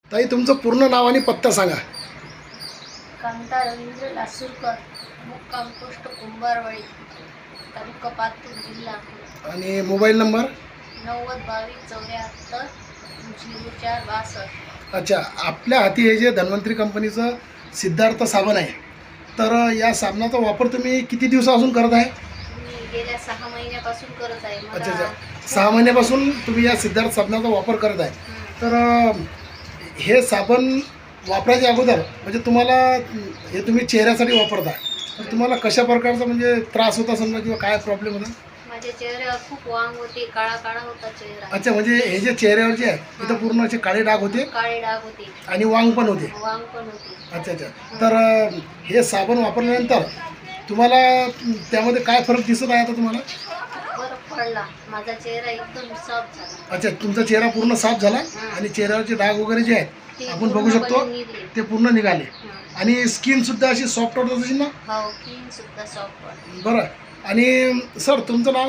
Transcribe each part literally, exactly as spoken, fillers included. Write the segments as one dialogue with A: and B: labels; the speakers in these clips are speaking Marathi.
A: ताई तुमचं पूर्ण नाव आणि पत्ता सांगा.
B: कांता रवींद्र लासूरकर, मुक्काम पोस्ट कुंभारवाडी, तालुका पातूर, जिल्हा अकोला.
A: आणि मोबाईल नंबर.
B: नव्वद बावीस चौऱ्याहत्तर झिरो चार बासष्ट.
A: अच्छा, आपल्या हाती हे जे धन्वंतरी कंपनीचं सिद्धार्थ साबण आहे, तर या साबणाचा वापर तुम्ही किती दिवसापासून करत आहे?
B: मी गेल्या सहा महिन्यापासून करत आहे.
A: अच्छा
B: मला
A: अच्छा, सहा महिन्यापासून तुम्ही या सिद्धार्थ साबणाचा वापर करत आहे.
B: हं.
A: तर अं, हे साबण वापरायच्या अगोदर म्हणजे तुम्हाला हे तुम्ही चेहऱ्यासाठी वापरता, तर तुम्हाला कशा प्रकारचा म्हणजे त्रास होता समजा किंवा काय प्रॉब्लेम होता?
B: माझ्या चेहऱ्यावर खूप वांग होते, काळा काळा होता चेहरा.
A: अच्छा, म्हणजे हे जे चेहऱ्यावर जे आहे तिथं पूर्ण असे काळे डाग होते
B: काळे डाग होते,
A: आणि वांग पण होते.
B: वांग पण होते.
A: अच्छा अच्छा, तर अं, हे साबण वापरल्यानंतर तुम्हाला अं, त्यामध्ये काय फरक दिसत आहे आता तुम्हाला?
B: फरक पडला, माझा चेहरा एकदम सॉफ्ट झाला.
A: अच्छा, तुमचा चेहरा पूर्ण साफ झाला
B: हं.
A: आणि चेहऱ्यावरचे डाग वगैरे जे आहेत
B: ते
A: आपण बघू शकतो
B: पूर्णपणे निघले.
A: ते पूर्ण निघाले.
B: हं.
A: आणि स्किन सुद्धा अशी सॉफ्ट होत असेल ना?
B: हो, क्लीन सुद्धा सॉफ्ट वाटते.
A: बरं. आणि सर तुमचं नाव?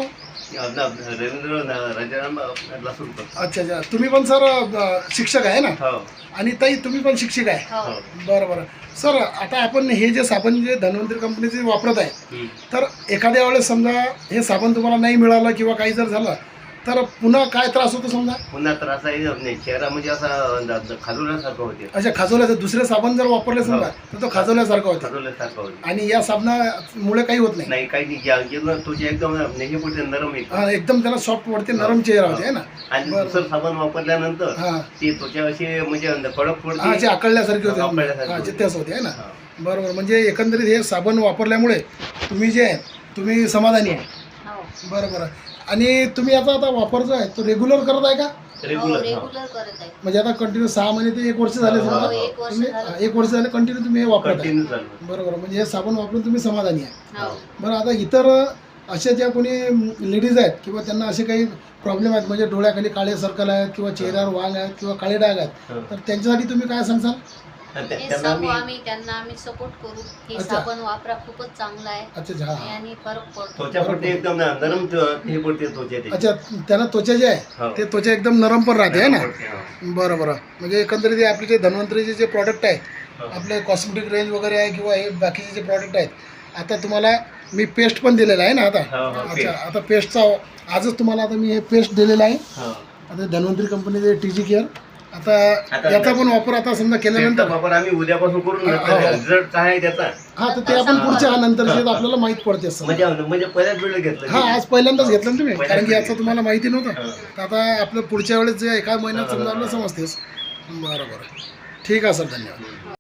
C: रवींद्र राजाराम लासूरकर.
A: अच्छा अच्छा, तुम्ही पण सर अ, शिक्षक आहे ना?
C: हो
A: आणि ताई तुम्ही पण शिक्षक आहे?
B: हो.
C: हो.
A: बरं बरं. सर आता आपण हे जे साबण जे धन्वंतरी कंपनीचे वापरत आहे,
C: हम्म.
A: तर एखाद्या वेळेस समजा हे साबण तुम्हाला नाही मिळालं किंवा काही जर झालं तर पुन्हा काय त्रास होतो समजा?
C: पुन्हा त्रास आहे नाही, चेहरा म्हणजे असा खाजवल्यासारखं होते.
A: अच्छा, खाजवल्याचं दुसरे साबण जर वापरले समजा तर तो खाजवल्यासारखं होतं
C: खाजवल्यासारखं होते.
A: आणि या साबणामुळे काही होत नाही?
C: नाही काही नाही, या- एकदम तुझे एकदम नेहमी पुढे नरम आहे.
A: हा, एकदम त्याला सॉफ्ट वाटते, नरम चेहरा होते आहे ना?
C: आणि
A: बरं.
C: दुसरं साबण वापरल्यानंतर
A: हां
C: ती त्वचा अशी म्हणजे कडक
A: हा,
C: पडते.
A: जे आकळल्यासारखे होते.
C: आकळल्यासारखे
A: हा,
C: होते.
A: जे तेच होते आहे ना?
C: हा.
A: बरोबर. म्हणजे एकंदरीत हे साबण वापरल्यामुळे तुम्ही जे आहे तुम्ही समाधानी आहे.
B: हो.
A: बरं बरं. आणि तुम्ही आता आता वापर जो आहे तो रेग्युलर करत आहे का?
B: हो,
C: रेग्युलर हा.
B: रेग्युलर करत आहे.
A: म्हणजे आता कंटिन्यू सहा महिने ते एक वर्ष झाले
C: हो,
A: समजा
B: हो, एक वर्ष
A: तुम्ही
B: झालं.
A: हा, एक वर्ष झाले कंटिन्यू तुम्ही हे वापरत आहे.
C: कंटिन्यू चालू.
A: बरोबर. म्हणजे हे साबण वापरून तुम्ही समाधानी आहे.
B: हो.
A: बरं, आता इतर अशा ज्या कोणी लेडीज आहेत किंवा त्यांना असे काही प्रॉब्लेम आहेत म्हणजे डोळ्याखाली काळे सर्कल आहेत किंवा चेहऱ्यावर वांग आहेत किंवा काळे डाग आहेत,
C: हो.
A: तर त्यांच्यासाठी तुम्ही काय सांगसाल?
C: आणि त्या-
B: हे
C: त्यांना
B: सांगू
C: मी
B: आम्ही त्यांना आम्ही सपोर्ट करू. हे
A: अच्छा.
B: साबण वापरा, खूपच चांगला आहे
A: अच्छा अच्छा, हा.
B: आणि फरक पडतो.
C: त्वचा पडते एकदम नरम त- हे पडते त्वचा त्याची.
A: अच्छा, त्यांना त्वचा जे आहे
C: हो.
A: ते त्वचा एकदम नरम पण राहते आहे ना?
C: पडते, हो.
A: बरं बरं. म्हणजे एकंदरीत हे आपले जे धन्वंतरीचे जे प्रॉडक्ट आहे,
C: हो.
A: आपले कॉस्मेटिक रेंज वगैरे आहे किंवा हे बाकीचे जे प्रॉडक्ट आहेत, आता तुम्हाला मी पेस्ट पण दिलेलं आहे ना आता?
C: हो, हो,
A: अच्छा,
C: paste.
A: आता पेस्टचा आजच तुम्हाला आता मी हे पेस्ट दिलेलं आहे.
C: हो.
A: आता धन्वंतरी कंपनीचे टी जी केअर. आता
C: आता-
A: याचा पण वापर आता समजा
C: त्याचा
A: केल्यानंतर
C: वापर आम्ही उद्यापासून करून
A: हा, हा.
C: रिझल्ट काय आहे त्याचा
A: हा, तर ते आपण पुढच्या नंतर आपल्याला माहीत पडते असं.
C: म्हणजे म्हणजे पहिल्याच वेळ घेतलं.
A: हा, आज पहिल्यांदाच घेतलं ना तुम्ही,
C: पहिल्यांदाच
A: कारण की याचं
C: घेतलं.
A: तुम्हाला माहिती नव्हतं.
C: हा.
A: तर आता आपलं पुढच्या वेळेस जे एका महिन्यात
C: हा,
A: समजा
C: हा,
A: आपल्याला
C: हा.
A: समजतेस. बरं बरं, ठीक आहे सर, धन्यवाद.